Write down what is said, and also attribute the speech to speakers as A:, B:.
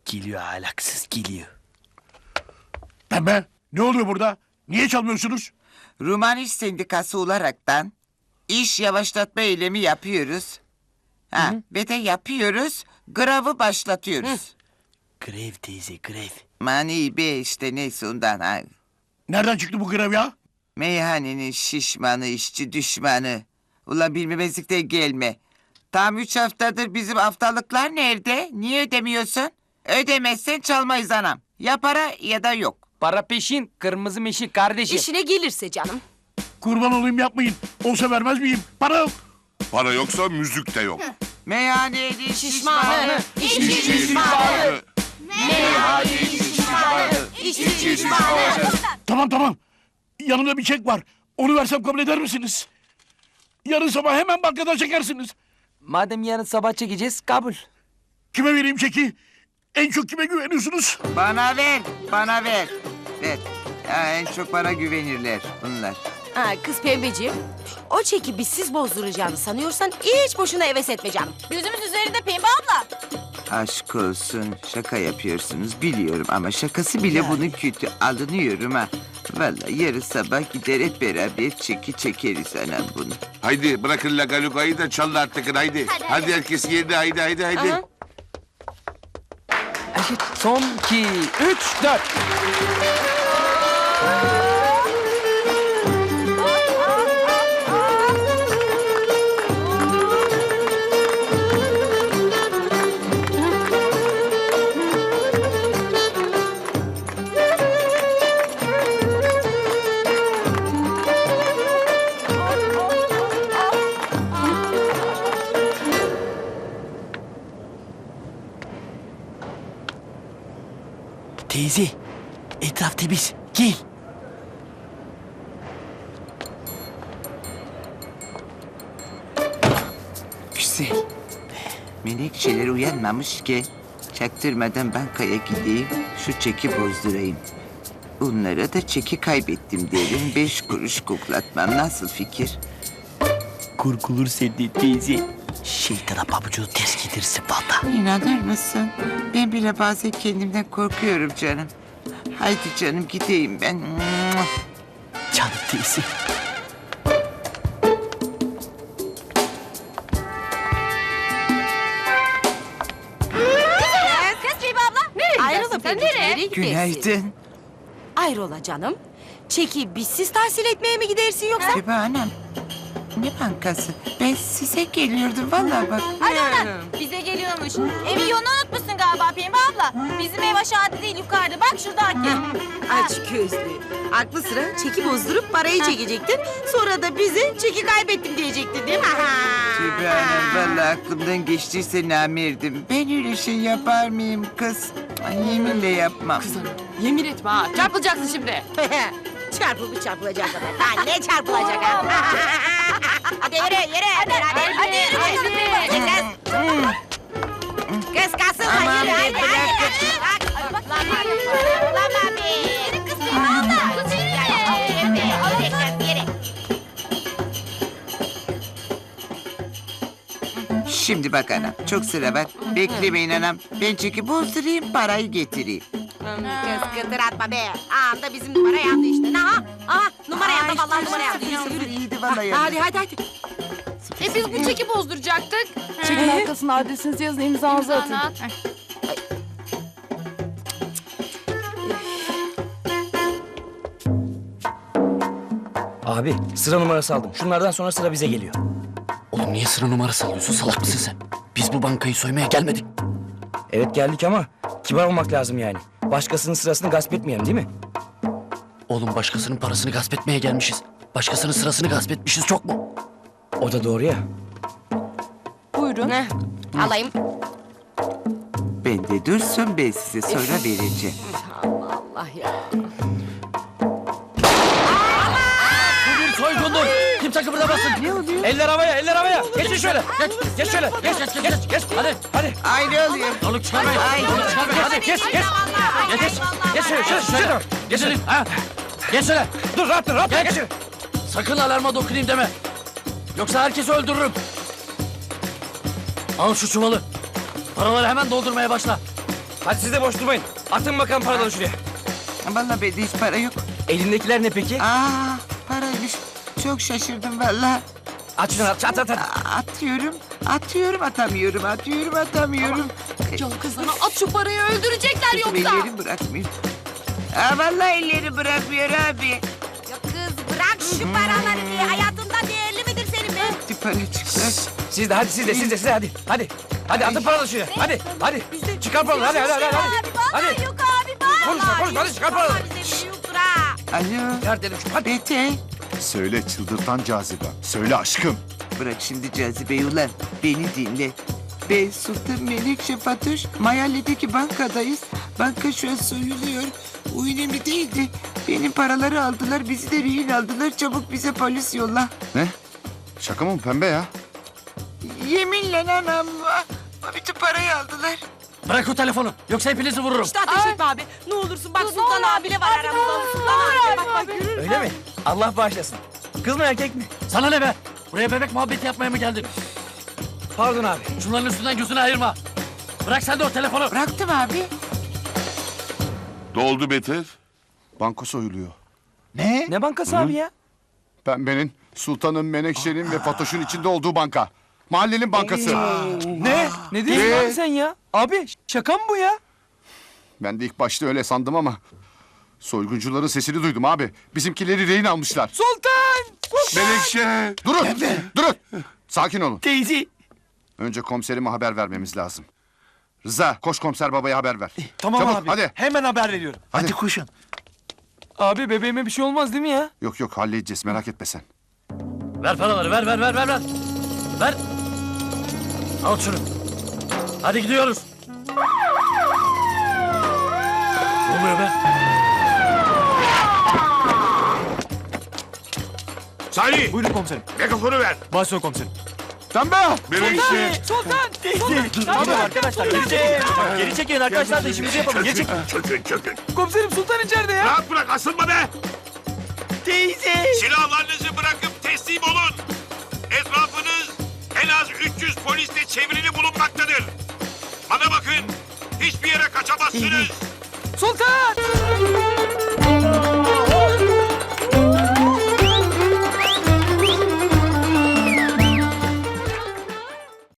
A: Geliyor ahlaksız geliyor.
B: Pembe, ne oluyor burada? Niye çalmıyorsunuz?
C: Ruman İş Sendikası olaraktan iş yavaşlatma eylemi yapıyoruz. Ve de yapıyoruz, gravı başlatıyoruz.
A: Grev teyze grev.
C: Mani be işte neyse ondan. Ha.
B: Nereden çıktı bu grev ya?
C: Meyhanenin şişmanı, işçi düşmanı. Ulan bilmemezlikten gelme. Tam 3 haftadır bizim haftalıklar nerede? Niye ödemiyorsun? Ödemezsen çalmayız anam. Ya para ya da yok.
D: Para peşin, kırmızı meşin kardeşim.
E: İşine gelirse canım.
B: Kurban olayım yapmayın. Olsa vermez miyim? Para yok.
F: Para yoksa müzik de yok.
C: Meyhanenin
E: Şişmanı,
C: şişmanı.
E: işçi düşmanı. Meyhanenin şişmanı, işçi düşmanı.
B: Tamam. Yanımda bir çek var. Onu versem kabul eder misiniz? Yarın sabah hemen bankadan çekersiniz.
D: Madem yarın sabah çekeceğiz, kabul.
B: Kime vereyim çeki? En çok kime güveniyorsunuz?
C: Bana ver, bana ver. Ver. Ya en çok bana güvenirler bunlar.
E: Kız Pembeciğim, o çeki bizsiz bozduracağını sanıyorsan hiç boşuna heves etme canım.
G: Gözümüz üzerinde Pembe abla.
C: Aşk olsun, şaka yapıyorsunuz biliyorum ama şakası bile bunun kötü. Alınıyorum ha. Vallahi yarın sabah gider hep beraber çekeriz anam bunu.
F: Haydi bırakın lagalugayı da çalın artık haydi. Hadi herkes yerine haydi.
E: Aha.
D: Eşit. Son 2, 3, 4.
A: Teyze etraf temiz. Gel.
C: Güzel. Menekşeler uyanmamışken çaktırmadan bankaya gideyim, şu çeki bozdurayım. Onlara da çeki kaybettim derim, 5 kuruş koklatmam. Nasıl fikir?
A: Korkulur senden teyze. Şeytana pabucunu ters gidersin valla.
C: İnanır mısın? Ben bile bazen kendimden korkuyorum canım. Haydi canım gideyim ben.
A: Canım teyze.
G: Kız Pembe abla. Nereye
E: Ayrıla
G: gidersin sen?
E: Pembeciğim,
G: Nereye?
E: nereye gidersin?
C: Günaydın.
E: Ayrola canım. Çeki bizsiz tahsil etmeye mi gidersin yoksa?
C: Bebe anam. Ne bankası? Ben size geliyordum vallahi bak.
G: Hadi oradan. Bize geliyormuş. Evi yolunu unutmuşsun galiba Pembe abla. Bizim ev aşağıda değil yukarıda. Bak şuradaki.
E: Aç gözlü. Aklı sıra çeki bozdurup parayı çekecektin. Sonra da bize çeki kaybettim diyecektin değil mi?
C: Tübe anam vallahi aklımdan geçtiyse namerdim. Ben öyle şey yapar mıyım kız? Ay, yeminle yapmam.
G: Yemin etme ha. Çarpılacaksın şimdi.
E: Çarpılmış çarpılacak kadar. Daha ne çarpılacak ha? Hadi yürü.
G: Hadi yürü.
E: Kız kalsın
C: Aman
E: yürü.
C: be,
E: Hadi.
C: bırak.
G: Lan abi. Yürü kız Pembe abla. Kız yürü.
C: Şimdi bak anam çok sıra var. Beklemeyin anam. Ben çünkü bozdurayım parayı getireyim.
E: Kız kıtır atma be. Anda bizim numara yandı işte. Aha numara yandı vallahi numara yandı. Yürü.
C: İyiydi vallahi yandı.
E: Hadi.
G: Biz bu çeki bozduracaktık.
H: Çekin arkasına adresinizi yazın, imzanızı atın.
I: Abi sıra numarası aldım. Şunlardan sonra sıra bize geliyor.
A: Oğlum niye sıra numarası alıyorsun? Salak mısın sen? Biz bu bankayı soymaya gelmedik.
I: Evet geldik ama kibar olmak lazım yani. Başkasının sırasını gasp etmeyelim değil mi?
A: Oğlum başkasının parasını gasp etmeye gelmişiz. Başkasının sırasını gasp etmişiz çok mu?
I: O da doğru ya.
H: Buyurun.
E: Alayım.
C: Ben de dursun ben size sonra vereceğim.
E: Allah ya.
I: Bu bir soygundur. Kimse kıpırdamasın.
C: Ne oluyor?
I: Eller havaya. Geçin şöyle. Geç şöyle. Geç. Hadi.
C: Ay ne oluyor?
I: Balık çıkarmayın.
C: Ay.
I: Hadi geç. Geç şöyle. Geç şöyle. Ha. Geç şöyle. Dur rahat. Geç.
A: Sakın alarma dokunayım deme. Yoksa herkesi öldürürüm. Al şu çuvalı. Paraları hemen doldurmaya başla.
I: Hadi siz de boş durmayın. Atın bakalım paraları şuraya.
C: Vallahi bende hiç para yok.
I: Elindekiler ne peki?
C: Aa, paraymış. Çok şaşırdım vallahi.
I: Aç şunu at. At.
C: Atıyorum, atamıyorum.
H: Yol kızana at şu parayı öldürecekler
C: Kızım
H: yoksa.
C: ellerim bırakmıyor. Aa, vallahi elleri bırakmıyor abi.
G: Ya kız bırak şu paraları diye. Hayatında değerli midir senin be?
C: Bir para çıktı.
I: Siz de hadi siz de hadi. Hadi atın paraları şuraya. Hadi. Çıkar paraları hadi.
G: Abi vallahi
I: Hadi.
G: yok abi vallahi.
I: Konuşma, hadi çıkar paraları.
G: Bize biri yoktur ha.
C: Alo.
I: Ver dedim şu hadi.
C: Bete.
J: Söyle çıldırtan cazibe. Söyle aşkım.
C: Bırak şimdi cazibeyi ulan. Beni dinle. Ben Sultan Menekşe Fatoş. Mahalledeki bankadayız. Banka şu an soyuluyor. O önemli değildi. Benim paraları aldılar. Bizi de rehin aldılar. Çabuk bize polis yolla.
J: Ne? Şaka mı bu pembe ya?
C: Yeminle anam. Bütün parayı aldılar.
I: Bırak o telefonu. Yoksa hepinizi vururum.
E: İşte ateş etme abi. Ne olursun bak Sultan abi bile var aramızda. Sultan abi bak görür.
I: Öyle mi? Allah bağışlasın. Kız mı erkek mi?
B: Sana ne be? Buraya bebek muhabbeti yapmaya mı geldin?
I: Pardon abi.
B: Şunların üstünden gözünü ayırma. Bırak sen de o telefonu.
C: Bıraktım abi.
F: Ne oldu Beter?
J: Banko soyuluyor.
D: Ne bankası abi ya?
J: Pembenin, Sultan'ın, Menekşe'nin ve Fatoş'un içinde olduğu banka. Mahallenin bankası.
D: Ne diyorsun
J: Ne?
D: abi sen ya? Abi şaka mı bu ya?
J: Ben de ilk başta öyle sandım ama... Soyguncuların sesini duydum abi. Bizimkileri rehin almışlar.
D: Sultan!
F: Menekşe.
J: Durun. Sakin olun.
B: Teyze.
J: Önce komiserime haber vermemiz lazım. Rıza, koş komiser babaya haber ver.
I: Tamam
J: Çabuk,
I: abi.
J: hadi.
I: Hemen haber veriyorum.
B: Hadi koşun.
D: Abi bebeğime bir şey olmaz değil mi ya?
J: Yok halledeceğiz merak etme sen.
B: Ver paraları ver. Ver. Al şunu. Hadi gidiyoruz. Ne oluyor be?
F: Salih.
I: Buyurun komiserim.
F: Megafonu ver.
I: Başla komiserim.
J: Pembe!
F: Menekşe.
D: Sultan!
I: Tamam arkadaşlar geri çekin arkadaşlar da işimizi yapalım. Geri çekin.
F: Çökün.
D: Komiserim Sultan içeride ya.
F: Rahat bırak asılma be.
B: Teyze.
F: Silahlarınızı bırakıp teslim olun. Etrafınız en az 300 polisle çevrili bulunmaktadır. Bana bakın. Hiçbir yere kaçamazsınız.
D: Sultan!